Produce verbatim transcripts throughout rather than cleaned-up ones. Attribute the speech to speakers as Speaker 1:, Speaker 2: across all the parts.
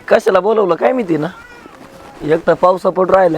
Speaker 1: कशाला बोलवलं काय माहिती ना, एक तर पावसा पड राहिलाय.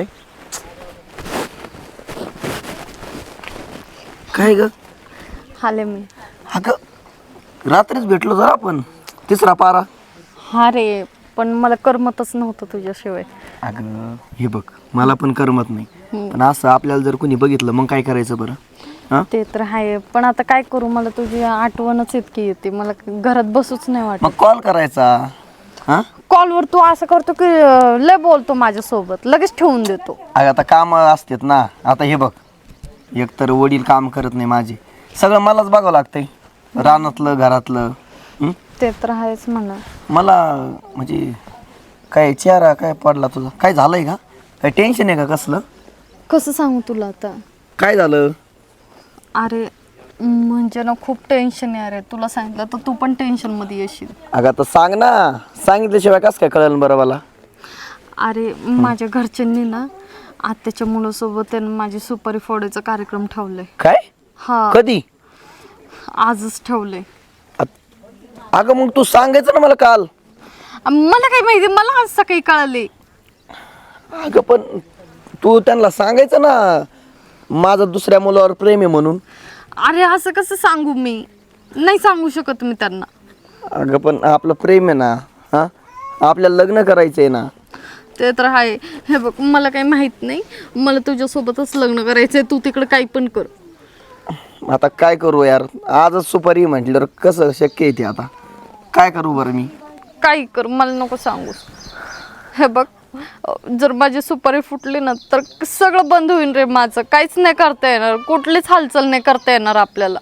Speaker 1: काय ग
Speaker 2: हाले मी.
Speaker 1: अगं रात्रीच भेटलो जरा आपण, तिसरा पारा.
Speaker 2: हा रे, पण मला करमतच नव्हतं तुझ्याशिवाय.
Speaker 1: अगं हे बघ, मला पण करमत नाही, पण असं आपल्याला जर कोणी बघितलं मग काय करायचं बरं? हा
Speaker 2: ते तर आहे, पण आता काय करू, मला तुझी आठवणच इतकी येते, मला घरात बसूच नाही वाटत.
Speaker 1: मग कॉल करायचा. हा
Speaker 2: कॉलवर तू असं करतो की अं, लय बोलतो माझ्यासोबत, लगेच ठेवून देतो.
Speaker 1: अगं आता काम असतात ना. आता हे बघ, एकतर वडील काम करत नाही माझे, सगळं मलाच बघावं लागतंय, रानातलं घरातलं. हं?
Speaker 2: ते तर आहेच म्हणा.
Speaker 1: मला म्हणजे काय चेहरा काय पडला तुझा, काय झालंय का? काय टेन्शन आहे का कसलं?
Speaker 2: कसं सांगू तुला आता?
Speaker 1: काय झालं?
Speaker 2: अरे म्हणजे ना खूप टेन्शन आहे. अरे तुला सांगितलं तर तू पण टेन्शन मध्ये येशील.
Speaker 1: अगं आता सांग ना, सांगितल्याशिवाय कसं काय कळलं बरं मला?
Speaker 2: अरे माझ्या घरच्यांनी ना आत्याच्या मुलासोबत माझी सुपारी फोडायचा कार्यक्रम ठेवलाय.
Speaker 1: काय?
Speaker 2: हा,
Speaker 1: कधी?
Speaker 2: आजच ठेवलंय.
Speaker 1: अगं मग तू सांगायचं ना मला काल.
Speaker 2: मला काय माहिती, मला आज सकाळी कळाले.
Speaker 1: अगं पण तू त्यांना सांगायचं ना, माझं दुसऱ्या मुलावर प्रेम आहे म्हणून.
Speaker 2: अरे असं कसं सांगू मी? नाही सांगू शकत मी त्यांना.
Speaker 1: अगं पण आपलं प्रेम आहे ना, हा आपल्याला लग्न करायचंय ना.
Speaker 2: ते तर आहे. हे बघ, मला काही माहित नाही, मला तुझ्यासोबतच लग्न करायचंय. तू तिकडे काही पण कर.
Speaker 1: आता काय करू यार, आजच सुपारी म्हटल्यावर कसं शक्य आहे ते? आता काय करू बरं मी?
Speaker 2: काही कर, मला नको सांगू. हे बघ, जर माझी सुपारी फुटली ना तर सगळं बंद होईल रे माझं. काहीच नाही करता येणार, कुठलीच हालचाल नाही करता येणार आपल्याला.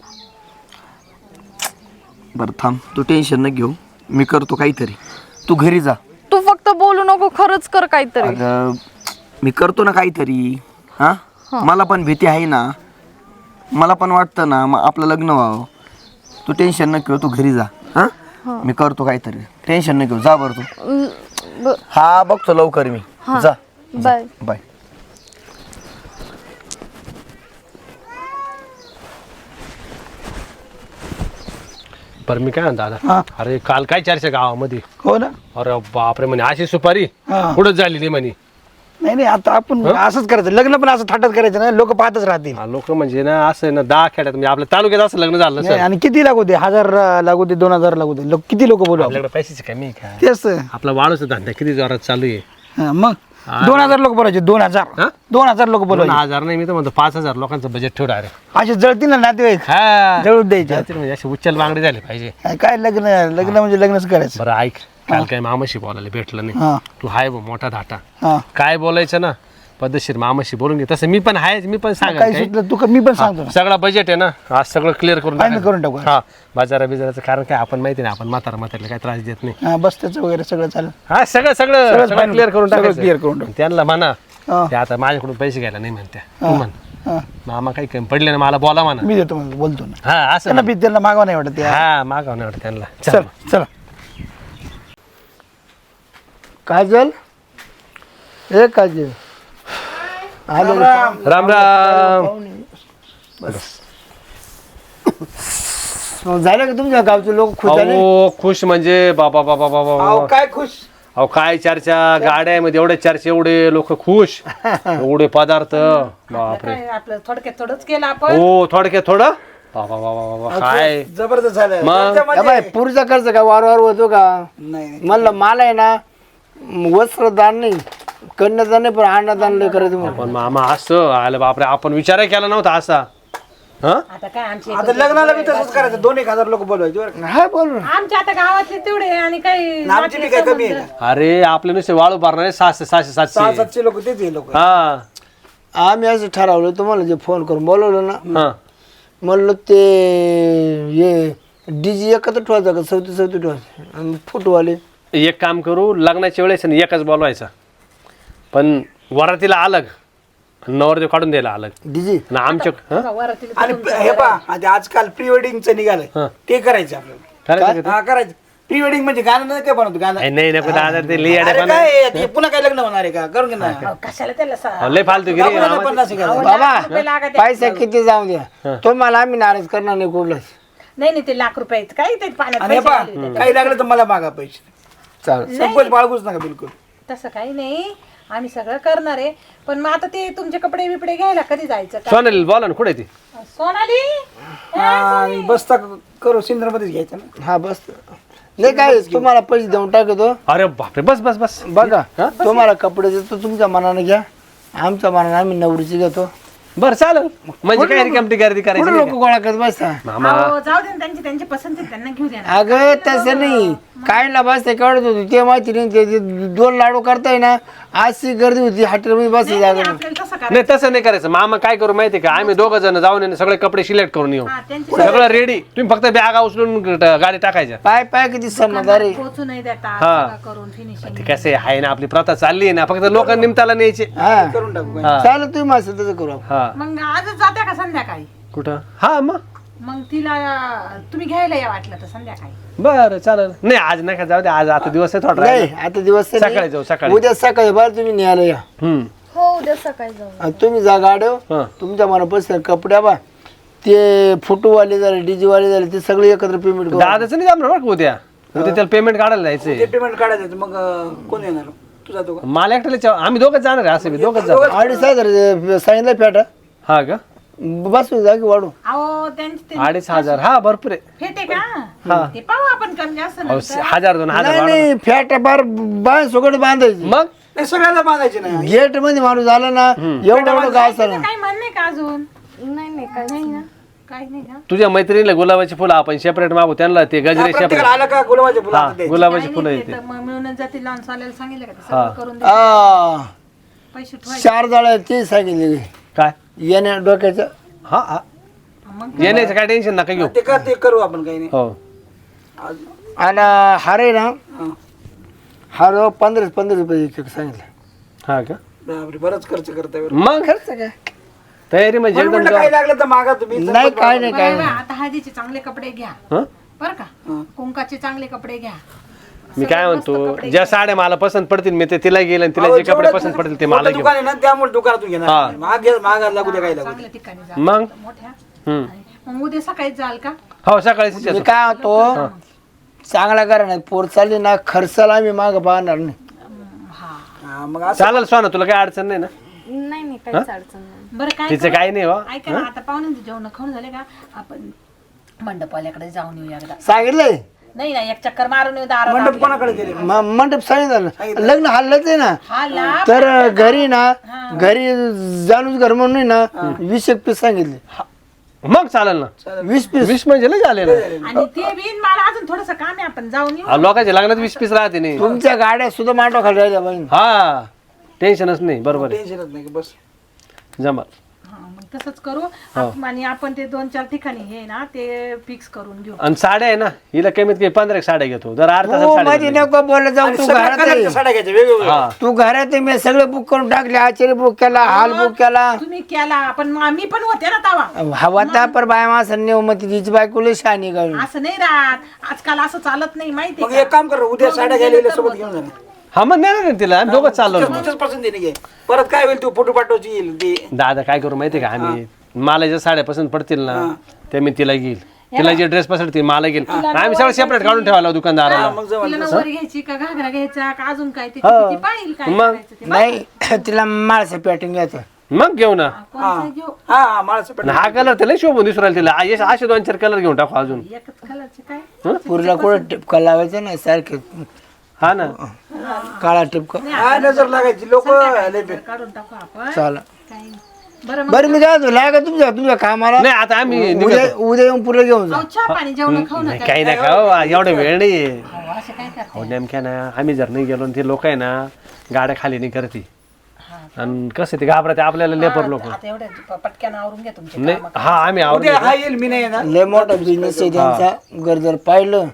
Speaker 1: बरं थांब, तू टेन्शन न घेऊ, मी करतो काहीतरी. तू घरी जा.
Speaker 2: तू फक्त बोलू नको, खरंच कर काहीतरी.
Speaker 1: अगं मी करतो ना काहीतरी. हा मला पण भीती आहे ना, मला पण वाटतं ना मग आपलं लग्न व्हावं. तू टेन्शन न घेऊ, तू घरी जा. हा मी करतो काहीतरी, टेन्शन न घेऊ. जा बरं तू. हा बघतो लवकर मी. जा.
Speaker 2: Bye
Speaker 1: bye.
Speaker 3: बरं मी काय म्हणतो दादा, अरे काल काय चर्चा गावामध्ये?
Speaker 4: हो ना.
Speaker 3: अरे बापरे, म्हणे अशी सुपारी
Speaker 4: हा.
Speaker 3: कुठंच झाली नाही म्हणे.
Speaker 4: नाही नाही, आता आपण असंच करायचं, लग्न पण असं थाटात करायचं ना, लोक पाहतच राहतील.
Speaker 3: लोक म्हणजे ना असं ना दहा खेड्यात म्हणजे आपल्या तालुक्यात असं लग्न झालं
Speaker 4: नाही,
Speaker 3: सर.
Speaker 4: आणि किती लागू दे, हजार लागू दे, दोन हजार लागू दे, लोक किती लोक बोलू आपण.
Speaker 3: आपल्याकडे पैशाची कमी आहे का?
Speaker 4: तेच तर.
Speaker 3: आपला वाळूचा धंदा किती जोरात चालू आहे.
Speaker 4: हा, मग दोन हजार लोक बोलायचे, दोन हजार
Speaker 3: हा?
Speaker 4: दोन हजार लोक
Speaker 3: दोन
Speaker 4: बोलायचे.
Speaker 3: हजार नाही, मी तर म्हणतो पाच हजार लोकांचं बजेट ठेवलं. अरे
Speaker 4: असे जळतील ना नातेवाईक,
Speaker 3: हा
Speaker 4: जळून द्यायचे.
Speaker 3: जातील म्हणजे असे उच्चल बांगडे झाले पाहिजे.
Speaker 4: काय लग्न, लग्न म्हणजे लग्नच करायचं.
Speaker 3: बरं ऐक, काल काय मामाशी बोलायला भेटलं नाही.
Speaker 4: हा
Speaker 3: तू हाय बा मोठा धाटा,
Speaker 4: हा,
Speaker 3: काय बोलायचं ना पद्धतशीर मामाशी बोलून घे. तसं मी पण आहे, मी पण सांगा
Speaker 4: काय सुचलं तू, मी पण सांगतो ना.
Speaker 3: सगळा बजेट आहे ना, आज सगळं क्लिअर करून
Speaker 4: Final
Speaker 3: टाकायचं.
Speaker 4: करून टाकू.
Speaker 3: हा बाजारा बिजाराचं कारण काय आपण माहिती नाही, आपण म्हातारा म्हाताऱ्याला काय त्रास देत नाही.
Speaker 4: हा, बस त्याचं वगैरे सगळं चालेल.
Speaker 3: हा सगळं सगळं
Speaker 4: सगळं
Speaker 3: सगळं
Speaker 4: final,
Speaker 3: क्लिअर करून
Speaker 4: सगळं
Speaker 3: टाकायचं.
Speaker 4: clear करून टाकू.
Speaker 3: त्यांना म्हणा
Speaker 4: हा.
Speaker 3: ते आता माझ्याकडून पैसे घ्यायला नाही म्हणत्या. तू म्हण
Speaker 4: हा,
Speaker 3: मामा काही कमी पडले ना मला बोला म्हणा.
Speaker 4: मी देतो म्हणून बोलतो ना.
Speaker 3: हा असं
Speaker 4: त्यांना
Speaker 3: म्हण.
Speaker 4: बी त्यांना मागवा नाही वाटत.
Speaker 3: हा मागाव नाही वाटत त्यांना.
Speaker 4: चल
Speaker 3: चल.
Speaker 4: चला. काजल, ए काजल, आलो.
Speaker 3: राम राम.
Speaker 4: मग झालं का तुमच्या गावचे लोक खुश झाले?
Speaker 3: अहो खुश म्हणजे बाबा बाबा बाबा
Speaker 4: अहो,
Speaker 3: बाबा.
Speaker 4: काय खुश?
Speaker 3: अहो काय चर्चा गाड्यामध्ये, एवढे चर्चा, एवढे लोक खुश, एवढे पदार्थ, बापरे.
Speaker 5: आपलं थोडक्यात थोडंच केलं आपण.
Speaker 3: हो थोडक्यात थोडं बाबा बाबा बाबा काय
Speaker 4: जबरदस्त झालं.
Speaker 3: मग?
Speaker 4: त्या मध्ये-
Speaker 6: पुढचा खर्च का वारंवार होतो का?
Speaker 4: नाही नाही.
Speaker 6: म्हणलं मला आहे ना वस्त्रदान नाही, कन्यादान नाही, पण अन्नदान लय करायचं म्हणून.
Speaker 3: पण मामा असं आलं बापरे, आपण विचारही केला नव्हता असा. हा
Speaker 5: आता काय आमची
Speaker 4: आता लग्नाला बी तसंच करायचं, दोन एक हजार लोक बोलवायचे बरं का?
Speaker 6: हा बोल ना.
Speaker 5: आमच्या आता गावातले तेवढे आणि काही
Speaker 4: आणि आमची बी काय कमी आहे का?
Speaker 3: अरे आपले नुसते वाळू भरणारे सहाशे सहाशे
Speaker 4: सहा
Speaker 3: सातशे.
Speaker 4: सातशे लोक तेच लोक.
Speaker 3: हा
Speaker 6: आम्ही असं ठरवलं, तुम्हाला जे फोन करून बोलवलं ना,
Speaker 3: हा
Speaker 6: म्हणलं ते हे डीजे एकत्र ठेवायचं का चौथी चौथी ठेवायचं, आणि फुटवाले
Speaker 3: एक काम करू, लग्नाच्या वेळेस ना एकच बोलवायचा, पण वरातीला अलग, नवरदेव काढून द्यायला अलग
Speaker 6: डीजे.
Speaker 3: ना आमच्या. हा?
Speaker 4: आणि हे पहा, आता आजकाल प्री वेडिंगचं
Speaker 3: हा.
Speaker 4: निघालंय, ते करायचं आपल्याला.
Speaker 3: करायचं का
Speaker 4: हा करायचं. प्री वेडिंग म्हणजे गाणं नाही काय बनवतो गाणं.
Speaker 3: ते? नाही नको दादा, ते लई
Speaker 4: अरे
Speaker 3: अडे
Speaker 4: काय आहे, ते पुन्हा काय लग्न होणार आहे का? करून घे ना.
Speaker 5: कशाला त्याला सा-
Speaker 3: लय फालतू गिरी.
Speaker 4: आपण पन्नास एक हजार.
Speaker 6: बाबा
Speaker 5: रुपये लागत
Speaker 6: पैसा किती जाऊ द्या, तो मला आम्ही नाराज करणार नाही कुठलंच.
Speaker 5: नाही नाही, ते लाख रुपये काय ते पाण्यात
Speaker 4: आणि हे
Speaker 5: पैसे
Speaker 4: पहा,
Speaker 5: घालू दे.
Speaker 4: काही लागलं तर मला मागा पैसे.
Speaker 6: चालेल.
Speaker 4: संकोच बाळगूच नका बिलकुल.
Speaker 5: तसं काही नाही, आम्ही सगळं करणार आहे. पण मग आता ते तुमचे कपडे बिपडे घ्यायला कधी जायचं का?
Speaker 3: सोनाली बोला ना कुठे ती
Speaker 5: सोनाली
Speaker 4: हा, बसता करू सिंद्रामध्येच घ्यायचं ना.
Speaker 6: हा बस नाही काय तुम्हाला पैसे देऊन टाकतो
Speaker 3: अरे बापरे बस बस बस
Speaker 6: बघा तुम्हाला कपडे देतो तुमच्या मनाने घ्या, आमच्या मनाने आम्ही नवरीची घेतो.
Speaker 3: बरं चालेल म्हणजे काय रिकामटी गर्दी करायची
Speaker 6: कुठे
Speaker 3: नाही
Speaker 6: लोक गोळा करत बसता?
Speaker 3: मामा
Speaker 5: अहो, जाऊ दे ना, त्यांची त्यांची पसंती आहे, त्यांना घेऊ द्या ना.
Speaker 6: अगं तसं नाही, काय ला बसते कळत होती ते माहिती नाही. ते ते दोन लाडू करताय ना, अशी गर्दी होती हॉटेलमध्ये बसायची जागा नाही.
Speaker 5: आपल्याला तसं करा.
Speaker 3: नाही तसं नाही करायचं मामा काय करू माहिती का आम्ही दोघं जण जाऊन आहे ना, सगळे कपडे सिलेक्ट करून येऊ
Speaker 5: हा, त्यांची
Speaker 3: सगळं रेडी तुम्ही फक्त बॅगा उचलून ग- गाडी टाकायच्या
Speaker 6: पाय पाय किती समजदारी.
Speaker 5: पोचू नाही देता
Speaker 3: हा.
Speaker 5: सगळं करून फिनिशिंग.
Speaker 3: ते कसं आहे हाय ना आपली प्रथा चालली आहे ना फक्त लोक निमताला न्यायचे
Speaker 6: हा
Speaker 4: करून टाकू.
Speaker 3: हा
Speaker 6: चालेल तुम्ही माझं तसं करू आपण.
Speaker 3: हा
Speaker 5: मग आजच जात्या का संध्याकाळी?
Speaker 3: कुठं हा मग
Speaker 5: मग तिला तुम्ही घ्यायला या वाटलं तर संध्याकाळी.
Speaker 3: बरं चालेल नाही आज नका जाऊ दे आज आता दिवस आहे थोडा
Speaker 6: नाही
Speaker 3: राहिला.
Speaker 6: आता दिवस तर नाही.
Speaker 3: सकाळी जाऊ, सकाळी.
Speaker 6: उद्या सकाळी बरं तुम्ही न्यायला या.
Speaker 3: हम्म
Speaker 2: हो उद्या सकाळी जाऊ.
Speaker 6: आणि तुम्ही जा गाड्यो
Speaker 3: हा.
Speaker 6: तुमच्या मनापासून कपड्या बा ते फोटोवाले झाले डीजे वाले झाले ते सगळे एकत्र पेमेंट करू.
Speaker 3: दादाचं नाही जमणार बरं का उद्या उद्या त्याला पेमेंट काढायला जायचंय
Speaker 4: ते पेमेंट काढायचं मग अं, कोण येणार तू जातो का?
Speaker 3: मला एकट्याला चा- आम्ही दोघंच जाणार आहे असं मी दोघंच जाणार
Speaker 6: अडीच हजार सांगितलं फेटा
Speaker 3: हा का
Speaker 6: बसू जागी वाढू.
Speaker 5: अहो त्यांची ते
Speaker 3: अडीच हजार हा भरपूर आहे
Speaker 5: फेटे का ते पाहू आपण कमी जास्त
Speaker 3: अहो,
Speaker 5: नंतर.
Speaker 3: हजार दोन हजार
Speaker 6: नाही
Speaker 3: वाढवा.
Speaker 6: नाही फेटा बार बाय सोकट बांधायची
Speaker 3: मग
Speaker 4: नाही सगळ्याला बांधायचे नाही.
Speaker 6: गेट मध्ये माणूस आला ना एवढं एवढं काय असतं ना.
Speaker 5: काही म्हणणे का अजून?
Speaker 2: नाही नाही काय
Speaker 5: नाही ना, काही नाही का?
Speaker 3: तुझ्या मैत्रिणीला गुलाबाची फुलं आपण सेपरेट मागू त्यांना ते गजरे
Speaker 4: प्रत्येकाला
Speaker 3: सेपरेट
Speaker 4: आलं का गुलाबाचे फुलं
Speaker 3: हा
Speaker 4: हातात द्यायचे.
Speaker 3: गुलाबाची
Speaker 5: काही
Speaker 3: फुलं
Speaker 5: नाही,
Speaker 3: येते
Speaker 5: ते तर मग मिळूनच जातील लॉन चालेल सांगितलं का ते
Speaker 3: हा.
Speaker 5: सगळं करून दे.
Speaker 6: आ,
Speaker 5: पैसे ठेवायचे.
Speaker 6: चार जाळ्या ते सांगितले
Speaker 3: काय
Speaker 6: येण्या डोक्याच्या.
Speaker 3: हा हा
Speaker 5: मग
Speaker 3: येण्याचं काय टेन्शन नका घेऊ
Speaker 4: ते कर ते करू आपण काही नाही.
Speaker 3: हो
Speaker 4: आज-
Speaker 6: आणि हार आहे ना
Speaker 4: हा.
Speaker 6: हार पंधरा पंधरा रुपये एक एक सांगितलं.
Speaker 3: हा का
Speaker 4: बापरे, बरंच खर्च करताय बरं.
Speaker 3: मग
Speaker 6: खर्च काय
Speaker 3: तयारी म्हणजे
Speaker 4: म्हणून
Speaker 3: एकदम
Speaker 4: म्हटलं काही लागलं तर मागा तुम्ही.
Speaker 6: नाही काय नाही काय
Speaker 5: बरं,
Speaker 6: नाही.
Speaker 5: आता हळदीचे चांगले कपडे घ्या
Speaker 3: हं?
Speaker 5: बर का? कुंकाचे चांगले कपडे घ्या.
Speaker 3: मी काय
Speaker 5: सगळे मस्त
Speaker 3: म्हणतो
Speaker 5: कपडे
Speaker 3: ज्या साड्या मला पसंत पडतील मी ते तिला गेलं आणि तिला
Speaker 4: अहो,
Speaker 3: जे कपडे
Speaker 4: जेवढं
Speaker 3: पसंत पडतील ते
Speaker 4: मोठं
Speaker 3: मला घेऊ
Speaker 4: दुकान आहे ना त्यामुळे दुकानातून
Speaker 3: हा.
Speaker 4: घेणार. महाग घ्या- महागात लागू द्या काही लागू द्या.
Speaker 5: चांगल्या ठिकाणी जा
Speaker 3: मग
Speaker 5: मोठ्या.
Speaker 3: हम्म.
Speaker 5: मग उद्या सकाळीच जाल का?
Speaker 3: हो सकाळीच
Speaker 6: मी
Speaker 3: येतो.
Speaker 6: काय होतो चांगला करा नाही पोर चालली ना खर्चाला आम्ही माग पाहणार नाही.
Speaker 4: हा, मग असं
Speaker 3: चालेल सोना तुला काही अडचण नाही ना
Speaker 2: नाही नाही काहीच अडचण नाही.
Speaker 5: बरं काय
Speaker 3: तिचं काही नाही हो
Speaker 5: ऐका ना, आता पाहुण्यांचे जेवण खाऊन झाले का आपण मंडपवाल्याकडे जाऊन येऊ एकदा.
Speaker 6: सांगितलंय
Speaker 5: नाही ना, एक चक्कर मारून येऊ दारात
Speaker 4: मंडप
Speaker 5: आपल्या.
Speaker 4: कोणाकडे गेले?
Speaker 6: म- मंडप सांगितलं लग्न हल्लच आहे ना.
Speaker 5: हा ला
Speaker 6: तर घरी ना घरी जाणूच घर म्हणून आहे ना वीस एक पीस सांगितले.
Speaker 3: मग चालेल ना
Speaker 6: वीस पीस
Speaker 3: वीस म्हणजे लय झाले ना
Speaker 5: आणि ते बिन मला अजून थोडस काम आहे, आपण जाऊन येऊ.
Speaker 3: अहो, लोकांच्या लग्नात वीस पीस राहते नाही
Speaker 6: तुमच्या गाड्या सुद्धा मांडव खाली राहिल्या पाहिजे.
Speaker 3: हा टेन्शनच नाही बरोबर आहे
Speaker 4: टेन्शनच नाही बस.
Speaker 3: जमा
Speaker 5: हा, मग तसंच करू आप- आणि आपण ते दोन चार ठिकाणी हे ना ते फिक्स करून घेऊ.
Speaker 3: आणि साड्या आहे ना हिला कमीत कमी पंधरा एक साड्या घेतो जर अर्धा तासात
Speaker 6: तू
Speaker 3: साड्या
Speaker 6: मध्ये
Speaker 3: घेतल्या.
Speaker 6: नको बोलत जाऊ. तू
Speaker 4: सगळ्या
Speaker 6: घरात
Speaker 4: कलरच्या
Speaker 6: आहे.
Speaker 4: साड्या घ्यायच्या वेगवेगळ्या.
Speaker 3: हा
Speaker 6: तू घरात आहे. मी सगळे बुक करून टाकले. आचार्य बुक केला हाल बुक केला.
Speaker 5: तुम्ही केला पण मग आम्ही पण होते ना तवा.
Speaker 6: हवा त्या पर बाय माणसं नेऊ मग तिची बायको लय शहाणी काढून.
Speaker 5: असं नाही राहत आजकाल, असं चालत नाही माहिती
Speaker 4: मग एक काम कर उद्या साड्या घ्यायला गेले सोबत घेऊन जा.
Speaker 3: हा मग नाही ना तिला आम्ही दोघं चाललो ना.
Speaker 4: तुझ्याच पसंतीने घे. परत काय होईल तू फोटो पाठवची येईल ते.
Speaker 3: दादा काय करू माहिती का आम्ही मला ज्या साड्या पसंत पडतील ना त्या मी तिला घेईल तिला जे ड्रेस पसंत मला घेईल आम्ही सगळं सेपरेट काढून ठेवायला दुकानदाराला
Speaker 4: मग जवळ
Speaker 5: तिला नऊवारी घ्यायची का घागरा घ्यायचा का अजून काय ते किती पाहिजे काय
Speaker 3: मग?
Speaker 5: करायचं ते.
Speaker 6: नाही तिला माळसं पॅटिंग घ्यायचं.
Speaker 3: मग घेऊ ना
Speaker 5: कोणता घेऊ?
Speaker 4: हा हा माळाचं
Speaker 3: आणि हा कलर त्याला शोभून दिसू राहिला तिला आ, यश असे दोन चार कलर घेऊन टाकू अजून
Speaker 5: एकच कलरचे काय?
Speaker 6: पुरीला कुठं टिपका लावायचं ना सारखे
Speaker 3: हा ना
Speaker 6: काळा टिपका.
Speaker 4: हा नजर लागायची लोक
Speaker 5: काढून टाकू आपण.
Speaker 6: चाल
Speaker 5: काही बरं मग
Speaker 6: बरं मी काय म्हणतो, लागा तुमच्या तुमच्या कामाला.
Speaker 3: नाही आता आम्ही
Speaker 6: उद्या उद्या येऊन पुरे घेऊन जा.
Speaker 5: अहो, चहा पाणी जेवण खाऊ
Speaker 3: नाही,
Speaker 5: नका.
Speaker 3: काही नाही का एवढा वेळ नाही
Speaker 5: अहो, असं काय करता?
Speaker 3: हो नेमक्या ना आम्ही जर नाही गेलो आणि ते लोक आहे ना गाड्या खाली नाही करते आणि कसं ते घाबरते आपल्याला लेपर लोक
Speaker 5: आता एवढ्या प- पटक्यानं आवरून घ्या तुमचे
Speaker 3: नाही
Speaker 5: कामं.
Speaker 3: हा आम्ही आवडतो
Speaker 4: उद्या हा येईल मी नाही येणार.
Speaker 6: लय मोठा बिझनेस आहे त्यांचा. घर जर पाहिलं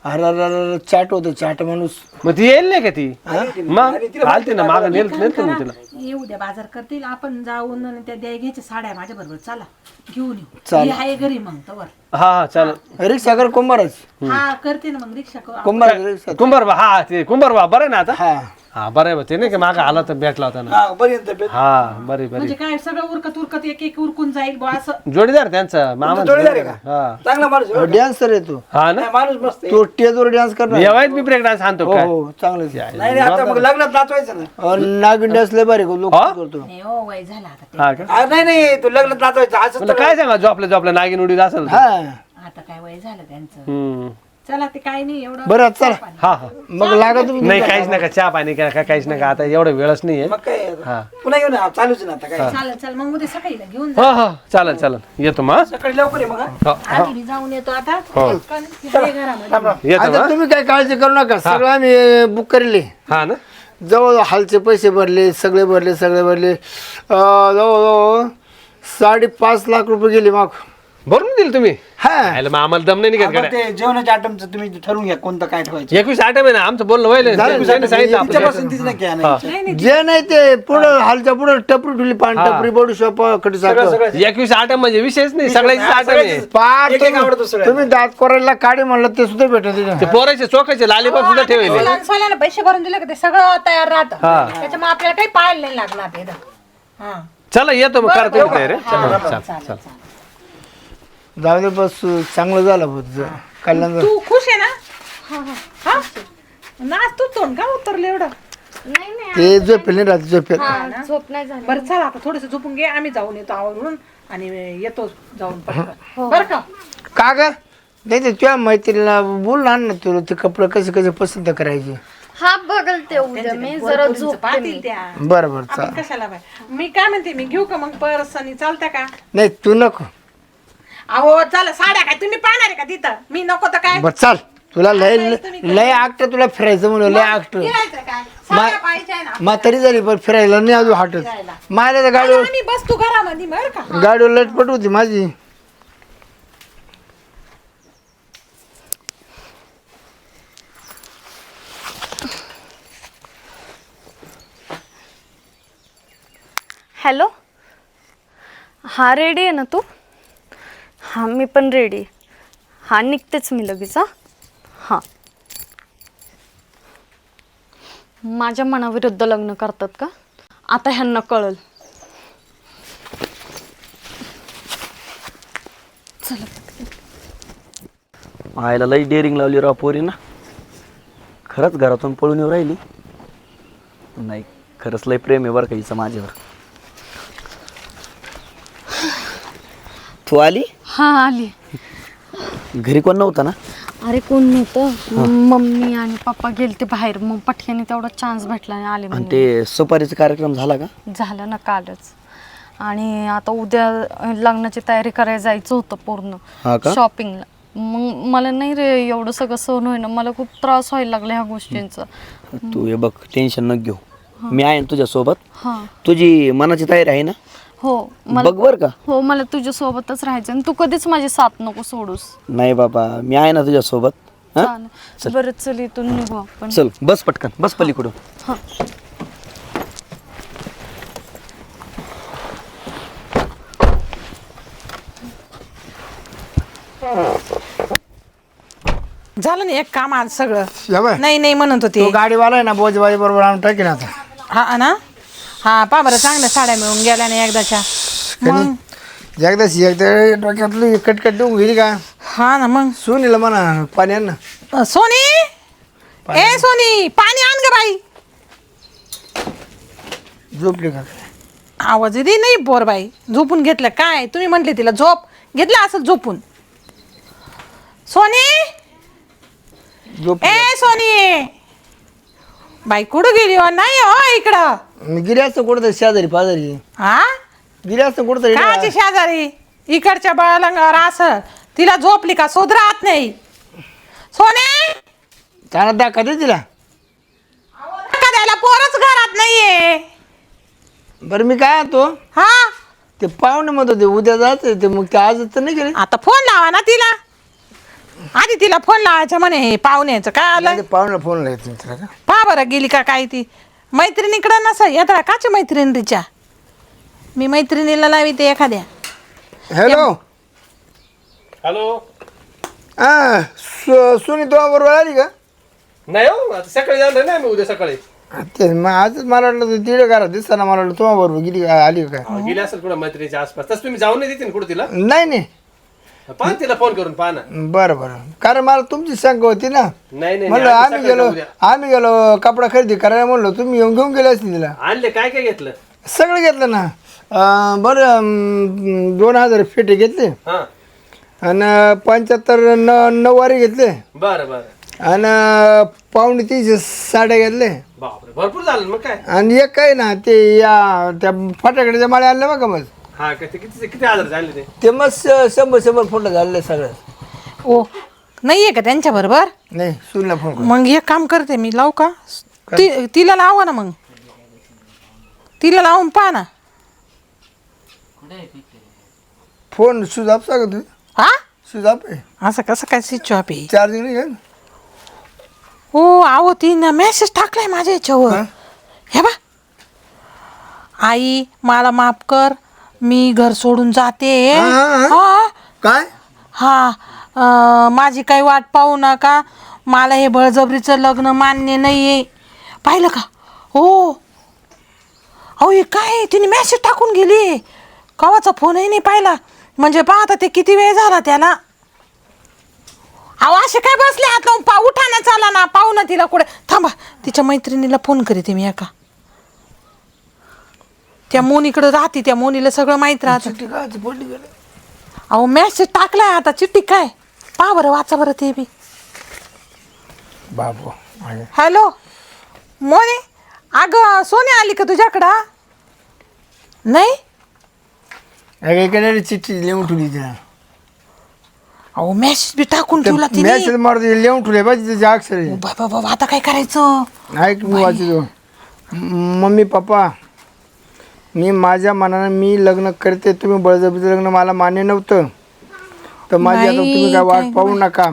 Speaker 6: अरे चाट होतं चाट माणूस.
Speaker 3: मग ती येईल नाही का ती मग आलती ना मागं नेल नेलतो मी तिला
Speaker 5: ये उद्या बाजार करतील आपण जाऊन आणि त्या द्या घ्यायच्या साड्या माझ्या बरोबर चला घेऊन येऊ.
Speaker 6: चालेल.
Speaker 5: मी आहे घरी मग तवर.
Speaker 3: हा हा चालेल
Speaker 6: रिक्षा कर कुंभारच
Speaker 5: हा करते ना मग रिक्षा करू.
Speaker 6: कुंभार रिक्षा.
Speaker 3: कुंभार बा हा ते कुंभार बा बरं आहे ना आता
Speaker 6: हा
Speaker 3: हा बरं आहे बा, ते नाही का मागं आला तर भेटला होता ना.
Speaker 4: हा पर्यंत भेट.
Speaker 3: हा बरी बरी
Speaker 5: म्हणजे काय सगळं उरकत उरकत एक एक उरकून जाईल बुवा असं.
Speaker 3: जोडीदार त्यांचा मामा
Speaker 4: जोडीदार आहे का?
Speaker 3: हा
Speaker 4: चांगला माणूस आहे.
Speaker 6: डान्सर आहे तू
Speaker 3: हा ना
Speaker 4: नाही, माणूस मस्त आहे.
Speaker 6: तो स्टेजवर डान्स करणार
Speaker 3: येवायत मी ब्रेक डान्स आणतो
Speaker 6: हो
Speaker 3: काय
Speaker 6: हो चांगलं
Speaker 4: नाही नाही आता मग लग्नात नाचवायचं ना.
Speaker 6: नागिन डान्स लय भारी लोक
Speaker 3: हा?
Speaker 6: करतो
Speaker 5: नाही हो वय झाला आता ते.
Speaker 3: हा का
Speaker 4: आ, नाही नाही तू लग्नात नाचवायचं असं
Speaker 3: म्हणलं काय सांगा झोपल्या झोपल्या नागिन उडीत असेल तर.
Speaker 6: हा
Speaker 5: आता काय वय झालं त्यांचं.
Speaker 3: हम्म.
Speaker 5: चला ते काय नाही एवढं.
Speaker 6: बरं चला
Speaker 3: हा हा
Speaker 6: मग लागत तुम्ही
Speaker 3: नाही काहीच नका चहा पाणी काय काय काहीच नका आता एवढं वेळच नाहीये
Speaker 4: मग काय
Speaker 3: हा
Speaker 4: पुन्हा येऊ ना चालूच ना आता काय
Speaker 5: चालेल चालेल मग उद्या सकाळी ना घेऊन जा.
Speaker 3: हो हो चालेल चालेल येतो मग
Speaker 4: सकाळी लवकर आहे मग हा?
Speaker 3: हा.
Speaker 5: आधी मी जाऊन येतो आता.
Speaker 3: हो
Speaker 5: पण तिथे घरामध्ये.
Speaker 3: येतो
Speaker 6: आता
Speaker 3: मग
Speaker 6: तुम्ही काय काळजी करू नका सगळं आम्ही बुक करेले
Speaker 3: हा ना
Speaker 6: जवळ हालचे पैसे भरले सगळे भरले सगळे भरले अं, जवळजवळ साडेपाच लाख रुपये गेले मग
Speaker 3: भरून दिल तुम्ही
Speaker 6: हा
Speaker 3: आयला मग आम्हाला दम नाही निघत
Speaker 4: आपण
Speaker 3: गड्या.
Speaker 4: ते जेवणाच्या आयटमचं तुम्ही ठरवून घ्या कोणतं काय ठेवायचं.
Speaker 3: एकवीस आठ आहे ना आमचं बोलणं व्हायला सांगितलं
Speaker 4: तिच्या
Speaker 3: आपलं.
Speaker 4: पसंतीच नाही काय नाही.
Speaker 6: जे नाही ते पुढं हालच्या पुढं टपरी ठेवली पान टपरी बडू शॉप कधी
Speaker 4: सगळं सगळं
Speaker 3: एकवीस आठ म्हणजे विषयच नाही सगळ्याची आठ आहे
Speaker 4: सगळ्याचीच.
Speaker 6: पार
Speaker 4: एक एक आवडतो
Speaker 6: तुम्ही
Speaker 4: सगळ्यांना.
Speaker 6: तुम्ही दात कोरायला काढे म्हणलं ते सुद्धा भेटत तिथे.
Speaker 3: ते पोराचे चोखाचे लालीपाप सुद्धा ठेवले
Speaker 5: लहान सोन्याला पैसे भरून दिले का ते सगळं तयार राहतं. त्याच्यामुळे आपल्याला काही पाहायला नाही लागणार ते. हा
Speaker 3: चला येतो मग करतो मी तयारी चल चल चल
Speaker 6: जाऊ दे बस चांगलं झालं बहुत कल्याण झालं.
Speaker 5: तू खुश आहे ना. हा नाच तू तोंड का उतरले एवढं.
Speaker 2: नाही नाही
Speaker 6: ते झोपेल नाही राहते झोपेल
Speaker 2: हा, झोप नाही झाली.
Speaker 5: बरं चला आता थोडस झोपून घे आम्ही जाऊन येतो आवरून आणि येतो जाऊन पटकन. बरं का
Speaker 6: का ग नाही ते तुझ्या मैत्रिणीला बोल ना ना तुला ते कपडे कसे कसे पसंत करायचे
Speaker 2: हा बघल ते उद्या मी जरा झोपते मी.
Speaker 5: पाहतील त्या.
Speaker 6: बरं बरं चाल
Speaker 5: आपण कशाला बाय मी काय म्हणते मी घेऊ का मग पर्स आणि चालतं का.
Speaker 6: नाही तू नको
Speaker 5: अहो चला साड्या काय तुम्ही पाहणार आहे का तिथं मी नको तर काय.
Speaker 6: बर चाल तुला लय लय आकट तुला फिरायचं म्हणून लय आकट
Speaker 5: फिरायचं काय साड्या पाहिजे ना.
Speaker 6: म्हातारी झाली पण फिरायला नाही अजून हाटत माझ्या तर गाडीवर
Speaker 5: मी बसतो घरामध्ये बरं का.
Speaker 6: गाडीवर लटपट होती माझी
Speaker 2: हॅलो हा रेडी आहे ना तू. हां मी पण रेडी आहे. हां निघतेच मी लगेच. हां हां माझ्या मनाविरुद्ध लग्न करतात का आता ह्यांना कळल.
Speaker 1: आयला लई डेअरिंग लावली राव पोरी ना. खरंच घरातून पळून येऊ राहिली. नाही खरंच लई प्रेम आहे बरं का हिचं माझ्यावर. तू आली
Speaker 2: हां आली.
Speaker 1: घरी कोण नव्हता ना.
Speaker 2: अरे कोण नव्हतं मम्मी आणि पप्पा गेलते बाहेर मग पटक्याने तेवढा चान्स भेटला आणि आले
Speaker 1: आणि
Speaker 2: मग.
Speaker 1: ते सुपारीचा कार्यक्रम झाला का.
Speaker 2: झालं ना कालच. आणि आता उद्या लग्नाची तयारी करायला जायचं होतं पूर्ण
Speaker 1: हा का?
Speaker 2: शॉपिंगला. मग मला नाही रे एवढं सगळं सहन होईना. मला खूप त्रास व्हायला लागला ह्या गोष्टींचा.
Speaker 1: तू हे बघ टेन्शन न घेऊ. मी आहे ना तुझ्यासोबत.
Speaker 2: हां
Speaker 1: तुझी मनाची तयारी आहे ना.
Speaker 2: हो मला
Speaker 1: बघ बर का.
Speaker 2: हो मला तुझ्यासोबतच राहायचं आणि तू कधीच माझी साथ नको सोडूस.
Speaker 1: नाही बाबा मी आहे ना तुझ्यासोबत. हा
Speaker 2: चालेल बरं चल इथून निघू आपण.
Speaker 1: चल बस पटकन बस पलीकडून.
Speaker 2: हां
Speaker 5: झालं ना एक काम आज सगळं.
Speaker 6: या बाय.
Speaker 5: नाही नाही म्हणत
Speaker 6: तो
Speaker 5: होते.
Speaker 6: गाडीवाला आहे ना बोजबाई बरोबर आणून टाकेन आता
Speaker 5: हा ना हा पा बरं चांगल्या साड्या मिळून गेल्या ना एकदाच्या. मग
Speaker 6: एकदा एकदा डोक्यातली कटकट देऊन गेली का
Speaker 5: हा ना मग
Speaker 6: सुनीला म्हणा पाणी आण ना
Speaker 5: अ, सोनी ए सोनी पाणी आण ग बाई.
Speaker 6: झोपली का
Speaker 5: आवाज दे नाही बोर बाई. झोपून घेतलं काय तुम्ही म्हटले तिला झोप घेतलं असं झोपून. सोनी
Speaker 6: झोप
Speaker 5: ए सोनी बाई कुठं गेली हो नाही हो इकडं.
Speaker 6: गिरी असतं कुठं शेजारी पाजारी
Speaker 5: हा
Speaker 6: गिरी असतं कुठं
Speaker 5: काची शेजारी इकडच्या बाळांगावर असं तिला झोपली का शोध राहत नाही. सोने
Speaker 6: त्याला दाखा दे तिला
Speaker 5: धक्का द्यायला पोरच घरात नाहीये.
Speaker 6: बरं मी काय तो
Speaker 5: हा
Speaker 6: ते पाहुणे म्हणत होते उद्या जायचं ते मग ते आज तर नाही गेले
Speaker 5: आता फोन लावा ना तिला. आधी तिला फोन लावायचं म्हणे हे पाहुण्याचं काय आलं.
Speaker 6: ते पाहुण्याला फोन लावायचं तिला का
Speaker 5: पहा बरं गेली का काय ती मैत्रिणीकडं नस येता काची मैत्रीण तिच्या. मी मैत्रिणीला लावी ते एखाद्या.
Speaker 6: हॅलो
Speaker 3: हॅलो
Speaker 6: हा सुनी तुला बरोबर आली का
Speaker 3: नाही हो आता सकाळी जाणार नाही मी उद्या सकाळी.
Speaker 6: ते मग आज मला वाटलं तिकडे घरात दिसताना मला वाटलं तुम्हा बरोबर गेली का- आली का काय
Speaker 3: गेली असेल कुठं मैत्रीच्या आसपास तसं तुम्ही जाऊन नाही देते ना कुठं तिला
Speaker 6: नाही नाही
Speaker 3: पाहा तिला फोन करून पाहा ना
Speaker 6: बरं बरं कारण मला तुमची शंका होती ना
Speaker 3: नाही नाही
Speaker 6: म्हणलं
Speaker 3: नाही,
Speaker 6: आम्ही
Speaker 3: सकाळी
Speaker 6: गेलो
Speaker 3: जाऊ द्या.
Speaker 6: आम्ही गेलो कपडा खरेदी करायला म्हणलो तुम्ही येऊन घेऊन गेले असतील तिला
Speaker 3: आणले काय काय घेतलं
Speaker 6: सगळं घेतलं ना अं, बरं अं, दोन हजार फेटे घेतले
Speaker 3: हा
Speaker 6: आणि पंच्याहत्तर न नऊवारी घेतले
Speaker 3: बरं बरं
Speaker 6: आणि पावणे तीनशे साड्या घेतले
Speaker 3: बापरे भरपूर झालं ना मग काय
Speaker 6: आणि एक काय ना ते या त्या फटाकड्याच्या माळ्या आणल्या बघा मग
Speaker 3: हा काय ते किती किती हजार झाले ते
Speaker 6: ते मग शंभर शंभर फोटो झाले सगळं
Speaker 5: ओ नाहीये का त्यांच्या बरोबर
Speaker 6: नाही सुनला फोन कर.
Speaker 5: मग एक काम करते मी लावू का ती तिला लावा ना मग तिला लावून पहा ना
Speaker 6: फोन स्विच ऑफ सांगा तुम्ही
Speaker 5: हा
Speaker 6: स्विच ऑफ आहे
Speaker 5: असं कसं काय स्विच ऑफ आहे
Speaker 6: चार्जिंग नाही आहे ना
Speaker 5: हो आहो तिनं मेसेज टाकलाय माझ्या याच्यावर हे बा आई मला माफ कर मी घर सोडून जाते
Speaker 6: हा, हा, हा.
Speaker 5: हा
Speaker 6: काय
Speaker 5: हा अं, माझी काही वाट पाहू नका मला हे बळजबरीचं लग्न मान्य नाहीये पाहिलं का हो अहो हे काय तिने मेसेज टाकून गेली कवाचा फोनही नाही पाहिला म्हणजे पाहता ते किती वेळ झाला त्याला अहो असे काय बसले हात लावून पा उठा ना चाला ना पाहू ना तिला कुठे थांबा तिच्या मैत्रिणीला फोन करीते मी एका त्या मोनीकडे राहते त्या मोनीला सगळं माहित राहतं
Speaker 6: चिठ्ठी काय ती पडली गेली
Speaker 5: अहो मेसेज टाकलाय आता चिठ्ठी काय पहा बरं वाचा बरं ते बी
Speaker 6: बाबू
Speaker 5: हॅलो मोने अगं सोने आली का तुझ्याकडं नाही
Speaker 6: अगं इकडे चिठ्ठी लिहून ठेवली तिला
Speaker 5: अहो मेसेज बी टाकून ठेवला तिने
Speaker 6: मॅसेज मारते लिहून ठेवले पाहिजे त्याचे अक्षर आहे.
Speaker 5: बाबा बाबा आता काय करायचं
Speaker 6: ऐक मी वाचतो मम्मी पप्पा मी माझ्या मनानं मी लग्न करते तुम्ही बळजबरीचं लग्न मला मान्य नव्हतं तर माझी आता
Speaker 5: बाई,
Speaker 6: तुम्ही काय वाट
Speaker 5: काय
Speaker 6: पाहू नका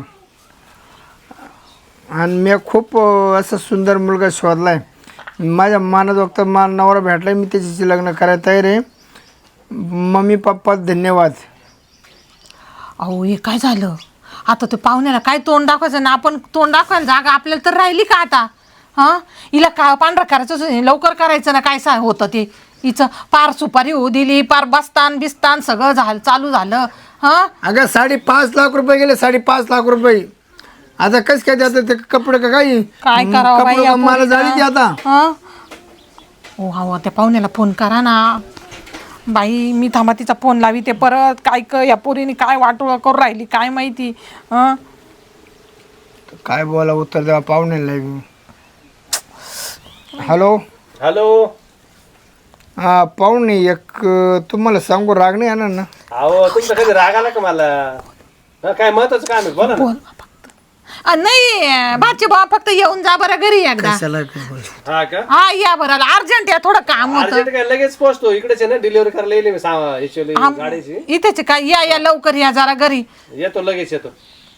Speaker 6: आणि मी खूप अं, असा सुंदर मुलगा शोधलाय माझ्या मनात वक्त मला नवरा भेटलाय मी त्याच्याशी लग्न करायला तयार आहे मम्मी पप्पा धन्यवाद
Speaker 5: अहो हे काय झालं आता ते पाहुण्याला काय तोंड दाखवायचं ना आपण तोंड दाखवायला जागा आपल्याला तर राहिली का आता हां हिला का पांढरा करायचं होतं, लवकर करायचं ना काय सा होतं ते हिचं पार सुपारी होऊ दिली पार बसतान बिस्तान सगळं झालं चालू झालं हां
Speaker 6: अगं साडेपाच लाख रुपये गेले साडेपाच लाख रुपये आता कसं काय जातं ते कपडे का काही
Speaker 5: काय करावं बाई
Speaker 6: कपडे
Speaker 5: या
Speaker 6: मला
Speaker 5: पोरीला?
Speaker 6: झाली ती आता
Speaker 5: हं? ओ हा त्या पाहुण्याला फोन करा ना बाई मी थांबा तिचा फोन लावी ते परत काय क या पोरीने काय वाटोळं करून राहिली काय माहिती हं?
Speaker 6: काय बोला उत्तर द्यावा पाहुण्याला हॅलो
Speaker 3: हॅलो
Speaker 6: हा पाहुणे एक अं, तुम्हाला सांगू राग नाही येणार ना
Speaker 3: अहो तुमचा कधी राग आला का मला हा, काय महत्वाचं काम आहे बोला ना
Speaker 5: बोल बा फक्त अ, नाही भाची बा फक्त येऊन जा बरं घरी एकदा
Speaker 6: चला
Speaker 3: हा का
Speaker 5: हा या बरं अर्जंट या थोडं काम होतं
Speaker 3: अर्जंट काय लगेच पोहोचतो इकडेच आहे ना डिलिव्हरी करायला येईल मी सा- याची गाडीची
Speaker 5: इथेच काय या या लवकर या जरा घरी
Speaker 3: येतो लगेच येतो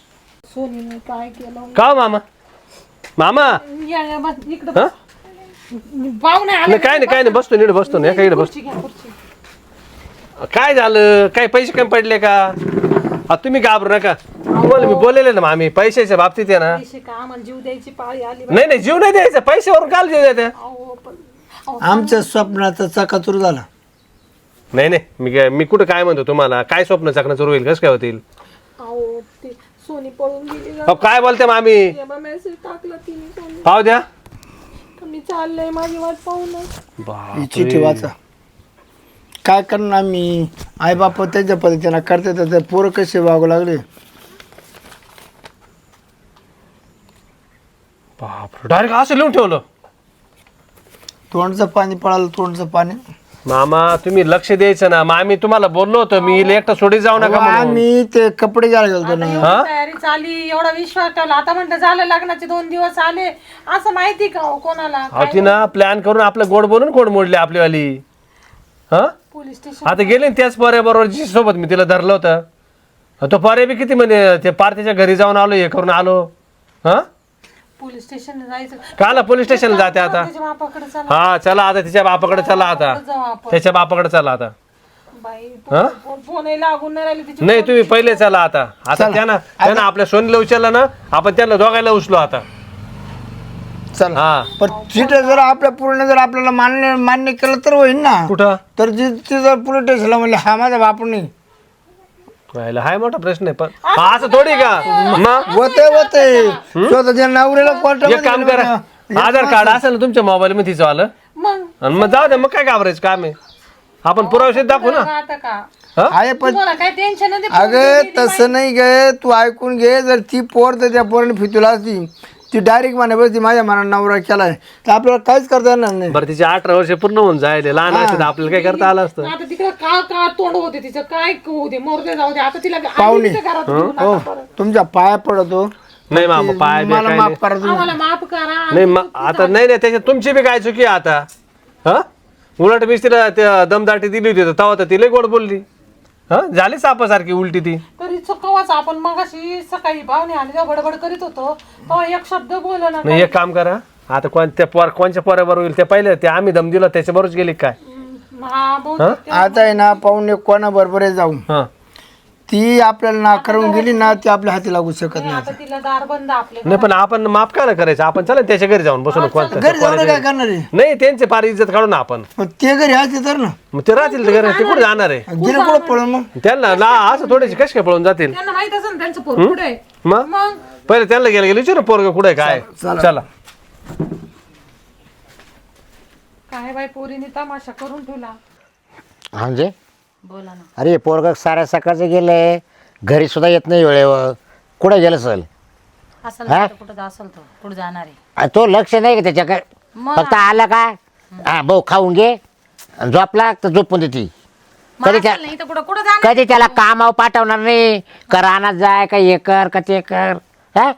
Speaker 3: का हो मामा मामा
Speaker 5: या या बस इकडं
Speaker 3: हा
Speaker 5: पाहुणे आले
Speaker 3: नाही काय नाही काय नाही बसतो नीट बसतो ना एका इकडे बसतो काय झालं काय पैसे कमी पडले का आता तुम्ही घाबरू नका तुम्हाला मी बोललेले ना मामी पैशाच्या बाबतीत आहे ना
Speaker 5: पैसे का आम्हाला जीव द्यायची पाळी आली
Speaker 3: नाही नाही जीव नाही द्यायचा पैशावरून काल जीव द्यायचा
Speaker 6: आमच्या स्वप्नाचा चकाचूर झाला
Speaker 3: नाही नाही मी काय मी कुठं काय म्हणतो तुम्हाला काय स्वप्न चाकणं होईल कसं काय होतील
Speaker 5: अहो ते सोनी पळून गेली
Speaker 3: अहो, काय बोलते मामी
Speaker 5: मेसेज टाकला तिने सोनी
Speaker 3: पाहू द्या
Speaker 5: मी चाललंय माझी वाट पाहू ना
Speaker 6: ही चिठ्ठी वाचा काय करणार मी आई बाप त्यांच्या पद्धतीनं करते तर ते पोरं कसे वागू लागले
Speaker 3: बापरे डायरेक्ट असं लिहून ठेवलं
Speaker 6: तोंडचं पाणी पळालं तोंडचं पाणी
Speaker 3: मामा तुम्ही लक्ष द्यायचं ना मामी तुम्हाला बोललो होतो मी एकटा सोडी जाऊ नका म्हणून
Speaker 6: आम्ही ते कपडे घ्यायला गेलतो ना
Speaker 3: हा
Speaker 5: तयारी चाली एवढा विश्वास ठेवला आता म्हणलं झालं लग्नाचे दोन दिवस आले असं माहिती का हो कोणाला
Speaker 3: अहो ती ना प्लॅन करून आपलं गोड बोलून गोड मोडले आपलीवाली हा
Speaker 5: पोलीस स्टेशन
Speaker 3: आता गेले ना त्याच पर्या बरोबर जी सोबत मी तिला धरलं होतं अहो, तो पर्या बी किती म्हणजे ते पार त्याच्या घरी जाऊन आलो हे करून आलो हा
Speaker 5: पोलीस स्टेशन जायचं
Speaker 3: काला पोलीस स्टेशनला जाते आता
Speaker 5: त्याच्या बापाकडे चला
Speaker 3: हा चला आता तिच्या बापाकडे चला आता
Speaker 5: जाऊ आपण
Speaker 3: त्याच्या बापाकडे चला आता
Speaker 5: बाई
Speaker 3: हा
Speaker 5: फोन लागून नाही राहिली तिची
Speaker 3: नाही तुम्ही पहिले चला आता आता त्यांना त्यांना आपल्या सोनीला उचललं ना आपण त्यांना दोघायला उचलो आता
Speaker 6: चला
Speaker 3: हा
Speaker 6: पण तिथे जर आपल्या पूर्ण जर आपल्याला मान्य मान्य केलं तर होईल ना
Speaker 3: कुठं
Speaker 6: तर ते जर पोलीस स्टेशनला म्हणले हा माझा बाप नाही
Speaker 3: व्हायला हाय मोठा प्रश्न आहे पण हा, असं थोडी का मग
Speaker 6: होते होते स्वतःच्या नवऱ्याला
Speaker 3: एक
Speaker 6: कोर्टामध्ये
Speaker 3: काम करा आधार कार्ड असेल ना तुमच्या मोबाईल मध्ये तिचं आलं
Speaker 5: मग
Speaker 3: आणि मग जाऊ दे मग काय घाबरायचं काम आहे आपण पुरावे दाखवू ना
Speaker 5: आता का
Speaker 3: हा?
Speaker 6: आहे पण
Speaker 5: तुम्हाला काय टेन्शन नाही
Speaker 6: अगं तसं नाही गे तू ऐकून घे जर ती पोर तर त्या पोराने फितूला असती ती डायरेक्ट म्हणा बस ती माझ्या मनात नवरा केलाय तर आपल्याला काहीच करता येणार नाही
Speaker 3: बरं तिचे अठरा वर्ष पूर्ण होऊन जायले लहान असते तर आपल्याला काय करता आलं असतं
Speaker 5: आता तिकडे का का तोंड होते तिचं काय होऊ दे मोरदे जाऊ दे आता तिला
Speaker 6: पाहुणे.
Speaker 5: आधी तिच्या घरात घेऊन
Speaker 6: हो
Speaker 5: आता परत.
Speaker 6: तुमच्या पाया पडतो
Speaker 3: नाही मामा पाय बी
Speaker 6: मला
Speaker 3: काय
Speaker 6: माफ
Speaker 3: नाही.
Speaker 6: करा तुम्ही
Speaker 5: आम्हाला माफ करा
Speaker 3: नाही मग आता नाही नाही त्याच्यात तुमची बी काय चुकी आहे आता हा उलट मीच तिला त्या दमदाटी दिली होती तेव्हा तर तिला गोड बोलली हा झाली सापासारखी उलटी ती
Speaker 5: तरी चुकवाच आपण मग अशी सकाळी पाहुणे आणि जेव्हा बडबड करीत होतो तेव्हा एक शब्द बोलला ना
Speaker 3: नाही एक काम करा आता कोणत्या पोर कोणच्या पोराबरोबर होईल ते पहिले ते आम्ही दम दिला त्याच्याबरोबरच गेली काय
Speaker 5: हा बहुतेक
Speaker 6: आता आहे ना पाहुणे कोणा बरोबर जाऊ
Speaker 3: हा
Speaker 6: ती आपल्याला नाकारून गेली ना ती आपल्या हाती लागू शकत नाही
Speaker 5: आता तिला दार बंद आपले
Speaker 3: नाही पण आपण माफ का नाही करायचं आपण चला त्याच्या घरी जाऊन बसून कोणत्या
Speaker 6: घरी जाऊन काय
Speaker 3: पोराच्या-
Speaker 6: करणार आहे
Speaker 3: नाही त्यांचे फार इज्जत काढू ना आपण
Speaker 6: मग ते घरी असते तर ना
Speaker 3: मग ते राहतील ते घरी ते कुठे जाणार आहे
Speaker 6: गेले कुठं पळून मग
Speaker 3: त्यांना ना असं थोडेसे कसे काय पळून जातील
Speaker 5: त्यांना माहित असेल ना त्यांचं पोर पुढे आहे.
Speaker 3: मग
Speaker 5: मग
Speaker 3: पहिले त्यांना गेलं गेलं विचारू पोरग कुठे काय चला
Speaker 5: काय बाई पोरीने तमाशा करून ठेवला
Speaker 7: म्हणजे बोला ना अरे पोरग साऱ्या सकाळचं गेलंय घरी सुद्धा येत नाही वेळेवर कुठे गेलं सल
Speaker 8: असेल
Speaker 7: हा?
Speaker 8: तर कुठं असेल तो कुठं जाणार आहे
Speaker 7: आ, तो लक्ष नाही का त्याच्याकडे
Speaker 8: मग
Speaker 7: फक्त आला का हा भाऊ खाऊन घे आणि झोपला तर झोपून देते
Speaker 8: मग
Speaker 7: कधी
Speaker 8: असेल
Speaker 7: त्या
Speaker 8: नाही तर कुठं कुठं जाणार
Speaker 7: कधी त्याला कामावर पाठवणार नाही का रानात जाय का हे कर का ते कर हा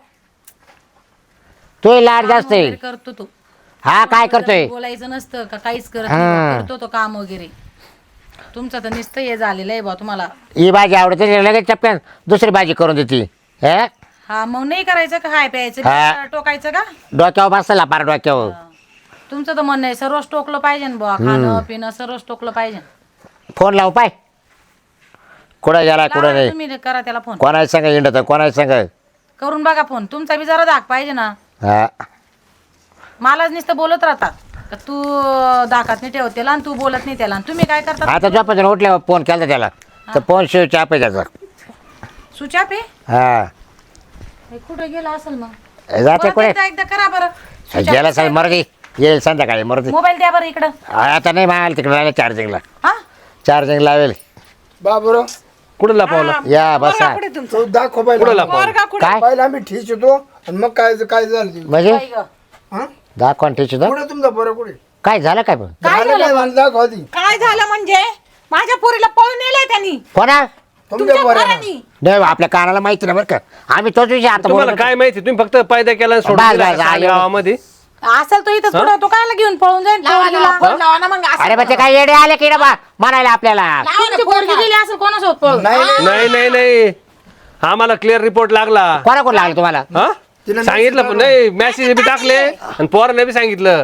Speaker 7: तोही लाड जास्त आहे
Speaker 8: वगैरे करतो तो
Speaker 7: हा काय करतोय
Speaker 8: बोलायचं नसतं का काहीच करत
Speaker 7: हा.
Speaker 8: नाही करतो तो काम वगैरे तुमचं तर नुसतं हे झालेलं आहे बा तुम्हाला
Speaker 7: ही भाजी आवडते लगेच टप्प्यात दुसरी भाजी करून देते हा
Speaker 8: हा मग नाही करायचं का हाय प्यायचं
Speaker 7: हा.
Speaker 8: का टोकायचं का
Speaker 7: डोक्यावर बसला पार डोक्यावर
Speaker 8: तुमचं तर म्हणणं आहे सर्वच टोकलं पाहिजे ना बुवा खाणं पिणं सर्वच टोकलं पाहिजे
Speaker 7: फोन लाव पाय कुठं गेला कुठं
Speaker 8: लावा
Speaker 7: नाही
Speaker 8: तुम्ही करा त्याला फोन
Speaker 7: कोणाला सांगा इंडत कोणाला सांगा
Speaker 8: करून बघा फोन तुमचा बी जरा धाक पाहिजे ना
Speaker 7: हा
Speaker 8: मलाच नुसतं बोलत राहतात का तू धाकात नाही ठेवत त्याला आणि तू बोलत नाही त्याला आणि तुम्ही काय करता
Speaker 7: आता झोपायचं उठल्यावर फोन केला त्याला तर फोन शिव चाप आहे त्याचा
Speaker 8: सुचा पे
Speaker 7: हा
Speaker 8: कुठं गेला असेल मग
Speaker 7: जाते
Speaker 8: परत
Speaker 7: कुठे
Speaker 8: एकदा एकदा करा बरं
Speaker 7: गेला साहेब मरदी येईल संध्याकाळी मरदी
Speaker 8: मोबाईल द्या बरं इकडं
Speaker 7: आता नाही मागायला तिकडे राहिले चार्जिंगला
Speaker 8: हा
Speaker 7: चार्जिंग लावेल
Speaker 6: बाबरो
Speaker 3: कुठं लपवलं
Speaker 7: या बसा
Speaker 6: तो दाखव
Speaker 3: कुठं
Speaker 6: पाहिजे
Speaker 3: लपवलं
Speaker 7: काय
Speaker 6: पाहिलं आम्ही ठीक होतो आणि मग काय काय झालं ते?
Speaker 7: म्हणजे
Speaker 8: बाई गं.
Speaker 6: हा?
Speaker 7: दाखवा ठेच
Speaker 6: कुठे तुमचा बरं कुठे
Speaker 7: काय झालं काय पण
Speaker 6: झालं काय मला दाखव ती
Speaker 5: काय झालं म्हणजे माझ्या पोरीला पळून नेलंय त्यांनी
Speaker 7: कोणा
Speaker 6: तुमच्या बरं
Speaker 5: पोरांनी.
Speaker 7: नाही आपल्या कानाला माहिती नाही बरं का आम्ही तोच विषय आता
Speaker 3: तुम्हाला
Speaker 7: बोलत
Speaker 3: काय माहिती तुम्ही फक्त पायदा केला आणि सोडून
Speaker 7: बस,
Speaker 3: दिला
Speaker 7: बस,
Speaker 3: का
Speaker 7: आले.
Speaker 3: गावामध्ये
Speaker 8: असेल तो इथंच पुढं तो कायला घेऊन पळून जाईल पोरगीला?
Speaker 5: लावा लावा ना मग
Speaker 7: होतो. अरे बा ते काय येडे आले की बा म्हणायला आपल्याला
Speaker 8: तुमची पोरगी गेली असेल कोणासोबत पळून
Speaker 6: नाही
Speaker 3: नाही नाही नाही आम्हाला क्लिअर रिपोर्ट लागला
Speaker 7: कोणा कोण लागलं तुम्हाला
Speaker 3: हा सांगितलं पण नाही मेसेज बी टाकले आणि पोराने बी सांगितलं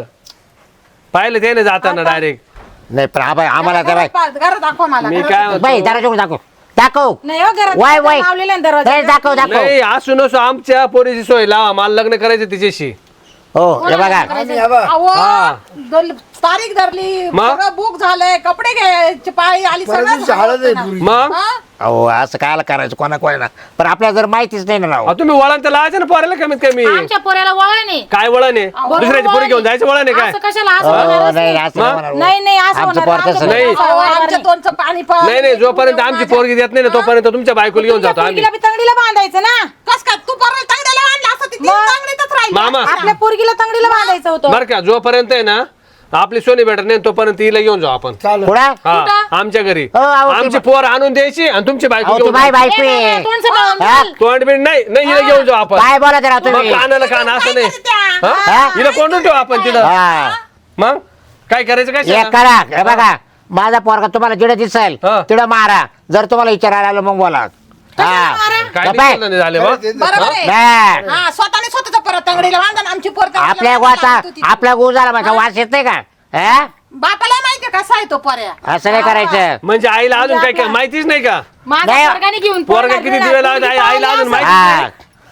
Speaker 3: पाहिलं त्याने जाताना डायरेक्ट
Speaker 7: नाही पण आबा- आम्हाला त्या बाई
Speaker 5: घरात दाखवा मला
Speaker 3: मी काय म्हणतो,
Speaker 7: बाई दरवाजा उघडून दाखव दाखव
Speaker 8: नाही हो घरात
Speaker 7: वाय वाय
Speaker 8: लावलेला आहे दरवाजा
Speaker 7: नाही, दाखव दाखव
Speaker 3: नाही असू नसो आमच्या पोरीची सोय लावा मला लग्न करायचं तिच्याशी
Speaker 7: हो हे बघा
Speaker 6: आम्ही हा बा.
Speaker 5: अहो
Speaker 3: हा.
Speaker 5: दल- तारीख धरली
Speaker 3: मग?
Speaker 5: सगळं बुक झालंय कपडे घ्यायची पाळी आली
Speaker 6: परत
Speaker 5: सगळं
Speaker 6: दिवशी हळद आहे पुरी.
Speaker 3: मग
Speaker 7: अहो असं कायला करायचं कोणा कोणाला पण आपल्याला जर माहितीच नाही ना राव
Speaker 3: अहो, तुम्ही वळण तर लावायचं ना पोराला कमीत कमी
Speaker 8: आमच्या पोऱ्याला वळण आहे
Speaker 3: काय वळण आहे दुसऱ्याची पोरी घेऊन जायचं वळण आहे काय
Speaker 8: असं कशाला असं
Speaker 7: हो,
Speaker 8: होणारच
Speaker 7: नाही
Speaker 8: नाही.
Speaker 7: असं नाही होणार हो.
Speaker 8: नाही नाही असं
Speaker 7: आमचं
Speaker 8: होणार
Speaker 7: पोर तसं
Speaker 8: आमच्या
Speaker 3: नाही.
Speaker 8: पोराला
Speaker 5: अहो,
Speaker 8: वळण
Speaker 5: आमच्या
Speaker 8: नाही.
Speaker 5: दोनचं पाणी पण
Speaker 3: नाही नाही जोपर्यंत आमची पोरगी देत नाही ना तोपर्यंत तुमच्या बायकोला घेऊन जातो आम्ही
Speaker 8: पोरगीला बी तंगडीला बांधायचं ना
Speaker 5: कस काय तू परत तांगड्याला आणला असं ती तीन
Speaker 8: मग?
Speaker 5: तांगडीतच राहिली
Speaker 3: मामा
Speaker 8: आपल्या पोरगीला तंगडीला बांधायचं होतं
Speaker 3: बर का जोपर्यंत आहे ना आपली सोनी भेटत नाही तोपर्यंत हिला घेऊन जाऊ आपण
Speaker 6: चालेल
Speaker 7: कुठं
Speaker 3: हा आमच्या घरी
Speaker 7: हो, अहो, ते
Speaker 3: आमची पोर आणून द्यायची आणि तुमची बायको
Speaker 7: अहो ती
Speaker 3: घेऊन
Speaker 7: बाय
Speaker 3: जायची.
Speaker 7: बायको
Speaker 8: ए,
Speaker 7: आहे.
Speaker 8: तोंड सांभाळून
Speaker 7: हा?
Speaker 8: बोल.
Speaker 3: तोंड बिंड नाही नाही हिला घेऊन जाऊ आपण
Speaker 7: काय बोला जरा
Speaker 3: मग
Speaker 7: तुम्ही
Speaker 3: कानाला कान असं नाही
Speaker 5: त्या.
Speaker 3: हा?
Speaker 7: हा?
Speaker 3: हिला कोंडून ठेवू आपण तिथं
Speaker 7: हा
Speaker 3: मग काय करायचं काय
Speaker 7: एक
Speaker 3: शाळा?
Speaker 7: करा हे बघा माझा पोरगा तुम्हाला जिडं दिसेल
Speaker 3: हा.
Speaker 7: तिडं मारा जर तुम्हाला विचारायला आलं मग बोला हा
Speaker 3: काय
Speaker 7: गप्प आहे.
Speaker 3: दिसलं नाही झाले बा
Speaker 5: बरोबर आहे
Speaker 7: नाही.
Speaker 5: हा स्वतःने स्वतःच्या परत तांगडीला बांधा आणि आमची पोर तांगडीला
Speaker 7: आपल्या
Speaker 5: बांधायला
Speaker 7: गोचा
Speaker 5: लागतो ती.
Speaker 7: आपला गो झाला माझा वास येत नाही का हा?
Speaker 5: बापाला माहितीये कसा आहे तो पर्या
Speaker 7: असं नाही करायचं
Speaker 3: म्हणजे आईला अजून काय काय माहितीच नाही का
Speaker 8: माझ्या
Speaker 7: नाही.
Speaker 8: पोरगाने घेऊन
Speaker 3: पोरगा
Speaker 8: पळणार
Speaker 3: किती
Speaker 8: गेला,
Speaker 3: दिवे लावत
Speaker 8: पोरगी
Speaker 3: आई आईला
Speaker 8: पावली
Speaker 3: अजून
Speaker 8: असं.
Speaker 3: माहितीच
Speaker 7: हा
Speaker 3: नाही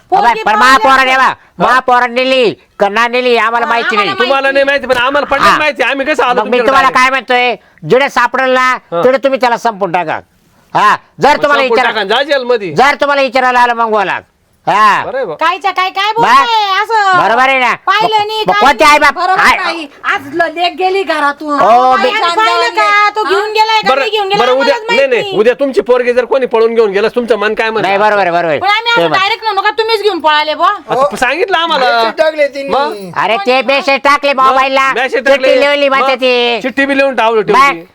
Speaker 8: पोरगी
Speaker 7: पण
Speaker 8: पाहिली
Speaker 7: महापौरा नेवा महापौरा नेली कन्ना नेली आम्हाला माहिती नाही
Speaker 3: तुम्हाला नाही माहिती पण आम्हाला पडलं
Speaker 7: हा.
Speaker 3: माहिती आम्ही कसं आलो
Speaker 7: मग मी
Speaker 3: तुमच्याकडे
Speaker 7: तुम्हाला
Speaker 3: direct?
Speaker 7: काय म्हणतोय जिडे सापडेल ना तिथे तुम्ही त्याला संपून टाका हा जर तुम्हाला
Speaker 3: संपून
Speaker 7: विचार
Speaker 3: टाका, जा जेलमध्ये.
Speaker 7: जर तुम्हाला विचारायला आलं मग बोला हा
Speaker 3: बरं आहे बा.
Speaker 8: कायच्या काय काय
Speaker 7: बा-
Speaker 8: बोलताय असं
Speaker 7: बरोबर आहे ना
Speaker 8: पाहिलं नाही
Speaker 7: मग
Speaker 8: काय
Speaker 7: कोणते आई बाप
Speaker 8: बरोबर
Speaker 7: आई-
Speaker 8: नाही. आज ल- लेक गेली घरातून
Speaker 7: हो,
Speaker 8: बाई,
Speaker 7: मी-
Speaker 8: आणि पाहिलं का तो घेऊन गेलाय का
Speaker 3: बरं
Speaker 8: नाही घेऊन गेला
Speaker 3: बरं उद्या
Speaker 8: आम्हालाच
Speaker 3: नाही
Speaker 8: माहित
Speaker 3: नाही
Speaker 8: नाही.
Speaker 3: उद्या तुमची पोरगी जर कोणी पळून घेऊन गेलं तुमचं मन काय
Speaker 7: नाही
Speaker 3: म्हणत
Speaker 7: बरोबर आहे बरोबर
Speaker 8: पण आम्ही
Speaker 7: आहे. ते
Speaker 8: असं
Speaker 7: मग-
Speaker 8: डायरेक्ट म्हणू का तुम्हीच घेऊन पळाले बुवा
Speaker 3: आता सांगितलं आम्हाला
Speaker 6: Message टाकले त्यांनी.
Speaker 7: अरे ते मेसेज टाकले मोबाईलला
Speaker 3: मेसेज
Speaker 7: चिठ्ठी लिहिली म्हणते ती
Speaker 3: चिठ्ठी बी लिहून टावलं
Speaker 7: बाय.
Speaker 3: ठेवली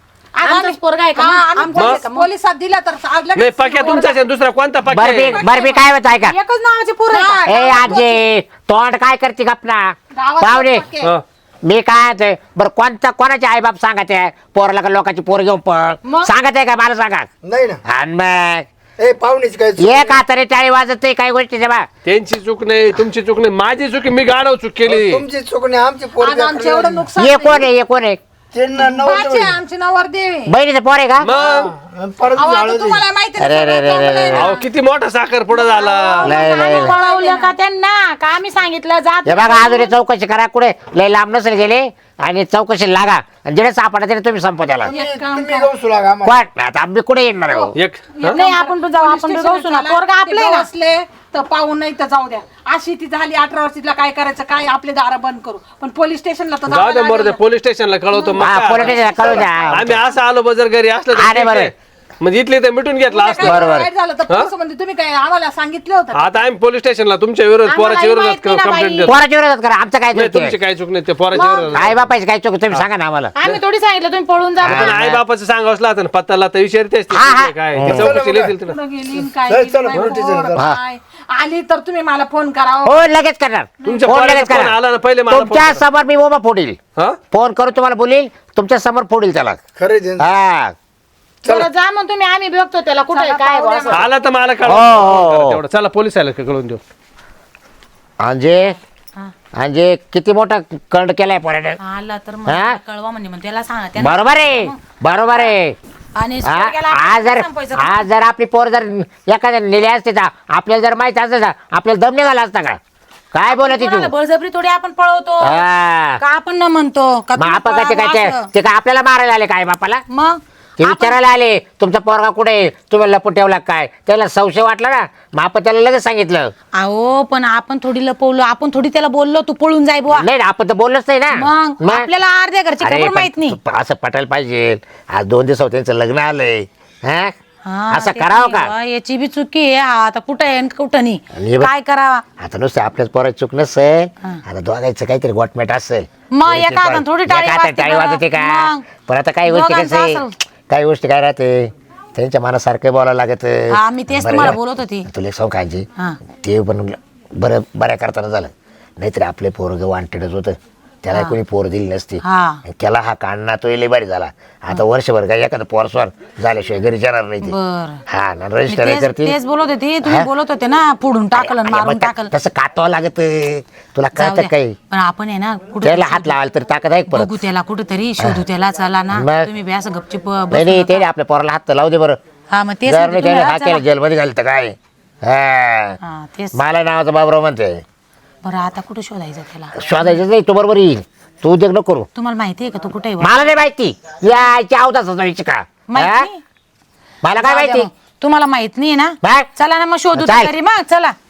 Speaker 8: आमचाच पोरगा आहे का मग?
Speaker 2: पोलिसात दिला तर
Speaker 3: नाही पक्या तुमचाच आहे, दुसरा कोणता पक्या
Speaker 7: बरबी
Speaker 3: आहे?
Speaker 7: बरबी काय होत आहे का
Speaker 8: एकच नावाचे पोरं आहे का?
Speaker 7: ए आजी तोंड काय करते गपना पाहुणे
Speaker 3: हा.
Speaker 7: मी काय म्हणतोय, बरं कोणता कोणाचे आई बाप सांगत आहे पोराला का लोकांची पोर घेऊन पळ
Speaker 8: मग?
Speaker 7: सांगत आहे का मला सांगा
Speaker 6: नाही ना
Speaker 7: आणि मग
Speaker 6: ए पाहुणेच काय चूक
Speaker 7: एक हाताने टाळी वाजत नाही काही गोष्टी बा
Speaker 3: त्यांची चूक नाही तुमची चूक नाही माझी चूक आहे, मी गाडव चूक केली
Speaker 6: तुमची चूक नाही आमची पोरगी
Speaker 2: आमचं एवढं नुकसान
Speaker 7: ये कोण आहे ये कोण आहे
Speaker 6: त्यांना नव्हतं
Speaker 2: आमची नवरदेव
Speaker 7: बहिणीचं पोर आहे का
Speaker 3: मग
Speaker 6: परत झालं ते.
Speaker 2: तुम्हाला माहिती
Speaker 7: अरे अरे अरे अरे अरे.
Speaker 3: अहो किती मोठा साखर पुढे झाला
Speaker 7: लय लय
Speaker 8: आम्ही
Speaker 7: लय.
Speaker 8: पळवलं का त्यांना का आम्ही सांगितलं जात
Speaker 7: हे बघा अजून हे चौकशी करा कुठे लय लांब नसेल गेले आणि चौकशी लागा आणि जेणे सापडा त्याने तुम्ही संपव त्याला
Speaker 6: तुम्ही जाऊ सुला का आम्हाला.
Speaker 7: कोण आता आम्ही कुठे येणार आहे हो?
Speaker 3: एक हा?
Speaker 8: नाही आपण पण जाऊ आपण जाऊ सुना पोरगा आपले ना
Speaker 5: असले तर पाहून नाही तर जाऊ द्या अशी ती झाली अठरा वर्षीला काय करायचं काय आपले दार बंद करू पण पोलीस स्टेशनला तर
Speaker 3: जाऊ
Speaker 5: जावं
Speaker 3: दे मरू दे
Speaker 5: लागेल.
Speaker 3: पोलीस स्टेशनला कळवतो मग
Speaker 7: हा
Speaker 3: काय?
Speaker 7: पोलिटिशियन कळू द्या
Speaker 3: आम्ही असं आलो बजर घरी असलं तर
Speaker 7: अरे
Speaker 3: ठीक
Speaker 7: बरं.
Speaker 3: आहे. म्हणजे इथले तर मिटून घेतला
Speaker 5: काय
Speaker 3: असतं
Speaker 7: बरोबर.
Speaker 5: वाईट झालं तर पोलीस म्हणजे तुम्ही काय आम्हाला सांगितलं होतं
Speaker 3: आता आम्ही पोलीस स्टेशनला तुमच्या विरोधात
Speaker 8: आम्हाला
Speaker 3: पोराच्या विरोधात
Speaker 8: माहित नाही ना
Speaker 3: कंप्लेंट
Speaker 8: बाई.
Speaker 3: देतो
Speaker 7: पोराच्या विरोधात करा आमचं काय
Speaker 3: नाही
Speaker 7: चुकी
Speaker 3: तुमची
Speaker 7: आहे?
Speaker 3: काय चूक नाही ते पोराच्या विरोधात
Speaker 7: आई बापाची काय चुक तुम्ही सांगा ना आम्हाला
Speaker 8: आम्ही थोडी सांगितलं तुम्ही पळून जा
Speaker 3: पण आई बापाचं सांगावं असलं ना पत्ताला तर विचारतेच ते
Speaker 7: हा, हा.
Speaker 3: कुठले काय ते चौकशी लिहितील तिला
Speaker 5: कुठं गेली न काय
Speaker 6: चल,
Speaker 5: गेली,
Speaker 6: चल,
Speaker 5: नाही
Speaker 6: पोलीस स्टेशनला
Speaker 5: पोर,
Speaker 6: चल.
Speaker 5: काय. आली तर तुम्ही मला फोन करा
Speaker 7: हो लगेच करणार
Speaker 3: तुमच्या
Speaker 7: फोन
Speaker 3: पोराचा
Speaker 7: लगेच
Speaker 3: फोन आला ना, पहिले
Speaker 7: करा
Speaker 3: मला
Speaker 7: तुमच्या
Speaker 3: फोन करा.
Speaker 7: समोर मी उभा फोडील
Speaker 3: हा
Speaker 7: फोन करू तुम्हाला बोलील तुमच्या समोर फोडील त्याला
Speaker 6: खरे ते.
Speaker 7: हा
Speaker 8: बरं जा मग तुम्ही आम्ही बघतो त्याला कुठे आहे, काय आहे बुवा असं.
Speaker 3: आला तर मला
Speaker 7: हो,
Speaker 3: कळवा
Speaker 7: हो, हो.
Speaker 3: तेवढं चला पोलीस आला कळून देऊ
Speaker 7: म्हणजे म्हणजे किती मोठा कंड केलाय पोराने
Speaker 8: आला तर
Speaker 7: हा?
Speaker 8: मग कळवा म्हणजे मग त्याला सांगा त्याला
Speaker 7: बरोबर आहे बरोबर आहे
Speaker 8: आणि
Speaker 7: हा,
Speaker 8: पोरग्याला
Speaker 7: आज जर
Speaker 8: संपवायचं का?
Speaker 7: आज जर आपली पोर जर एखाद्या नेले असते तर आपल्याला जर माहित असतं ना आपल्याला दम निघाला असता का काय बोलत तू
Speaker 8: कोणाला बळजबरी थोडी आपण पळवतो
Speaker 7: हा.
Speaker 8: का आपण न म्हणतो का
Speaker 7: मग
Speaker 8: तुम्ही
Speaker 7: आपण काय ते
Speaker 8: पळावं
Speaker 7: काय
Speaker 8: असं?
Speaker 7: ते- ते काय आपल्याला मारायला आले काय बापाला
Speaker 8: मग
Speaker 7: ते विचारायला आले तुमचा पोरगा कुठे आहे? तुम्ही लपून ठेवला काय त्याला संशय वाटला ना मग आपण त्याला लगेच सांगितलं
Speaker 8: अहो पण आपण थोडी लपवलो आपण थोडी त्याला बोललो तू पळून जाय बुवा
Speaker 7: नाही ना, आपण तर बोललोच नाही ना
Speaker 8: मग आपल्याला अर्ध्या घरची
Speaker 7: अरे,
Speaker 8: खबर
Speaker 7: पण
Speaker 8: माहित नाही
Speaker 7: तू असं पटायला पाहिजे आज दोन दिवसावर त्यांचं लग्न आलंय हा?
Speaker 8: हा,
Speaker 7: असं
Speaker 8: ते
Speaker 7: करावं
Speaker 8: नाही
Speaker 7: का
Speaker 8: बुवा, याची बी चुकी आहे हा, आता कुठं आहे आणि कुठं
Speaker 7: आणि
Speaker 8: नाही
Speaker 7: हे बघ-
Speaker 8: काय करावा
Speaker 7: आता नुसतं आपल्याच पोराची चूक नसेल आता दोघांचं काहीतरी गोटमेट असेल
Speaker 8: मग
Speaker 7: थोडी
Speaker 8: एका
Speaker 7: ती
Speaker 8: हातानं
Speaker 7: पण-
Speaker 8: थोडी टाळी
Speaker 7: एका हाताने
Speaker 8: वाजते
Speaker 7: टाळी
Speaker 8: का?
Speaker 7: वाजते का
Speaker 8: मग.
Speaker 7: पण आता काही गोष्टी
Speaker 8: दोघांचं
Speaker 7: कसे
Speaker 8: असेल.
Speaker 7: काही गोष्टी काय राहते त्यांच्या मनासारखं बोलावं लागत
Speaker 8: हा, मी तेच
Speaker 7: बरं
Speaker 8: तुम्हाला
Speaker 7: का?
Speaker 8: बोलत होती.
Speaker 7: तुला सौ काळजी
Speaker 8: हा.
Speaker 7: ते पण बरं बऱ्या करताना झालं नाहीतर आपले पोरग वांटेडच होतं त्याला कोणी पोर दिली नसती
Speaker 8: हा.
Speaker 7: त्याला हा काढणं तो लय भारी झाला आता वर्षभर काय एखादं पोरस्वार झाल्याशिवाय घरी जाणार नाही ते
Speaker 8: बरं.
Speaker 7: हा ना
Speaker 8: मी
Speaker 7: रजिस्टर
Speaker 8: तेच
Speaker 7: करते
Speaker 8: तेच बोलत होते तुम्ही
Speaker 7: हा?
Speaker 8: बोलत होते ना पुढून टाकलं आणि
Speaker 7: अरे,
Speaker 8: मारून
Speaker 7: मग त्या-
Speaker 8: टाकलं
Speaker 7: तसं काटावं लागत तुला
Speaker 8: जाऊ
Speaker 7: कळतं
Speaker 8: द्या.
Speaker 7: काही
Speaker 8: पण आपण आहे ना
Speaker 7: त्याला हात
Speaker 8: कुठं
Speaker 7: लावायला तर ताकद आहे का परत
Speaker 8: बघू त्याला कुठेतरी शोधू त्याला चला ना
Speaker 7: मग?
Speaker 8: तुम्ही बी असं गपचिप
Speaker 7: नाही
Speaker 8: बसू
Speaker 7: नाही
Speaker 8: नका.
Speaker 7: ते आपल्या पोराला हात तर लावू दे बरं
Speaker 8: हा मग तेच
Speaker 7: जर
Speaker 8: म्हणते
Speaker 7: नाही
Speaker 8: तुम्ही,
Speaker 7: त्याने
Speaker 8: हा,
Speaker 7: हात
Speaker 8: चला.
Speaker 7: केला जेलमध्ये घालतं काय हा.
Speaker 8: हा, तेच
Speaker 7: मला नावाचा बाबराव म्हणते
Speaker 8: बरं आता कुठं शोधायचं त्याला
Speaker 7: शोधायचं नाही तू बरोबर येईल तू उद्योग नको करू
Speaker 8: तुम्हाला माहिती आहे का तू कुठे आहे?
Speaker 7: मला नाही माहिती याच्या अवताच का
Speaker 8: माहित
Speaker 7: हा?
Speaker 8: नाही?
Speaker 7: मला काय
Speaker 8: जाऊ द्या
Speaker 7: माहिती
Speaker 8: मग. तुम्हाला माहित नाही ना
Speaker 7: बघ.
Speaker 8: चला ना मग शोधू
Speaker 7: चाल.
Speaker 8: तरी मग चला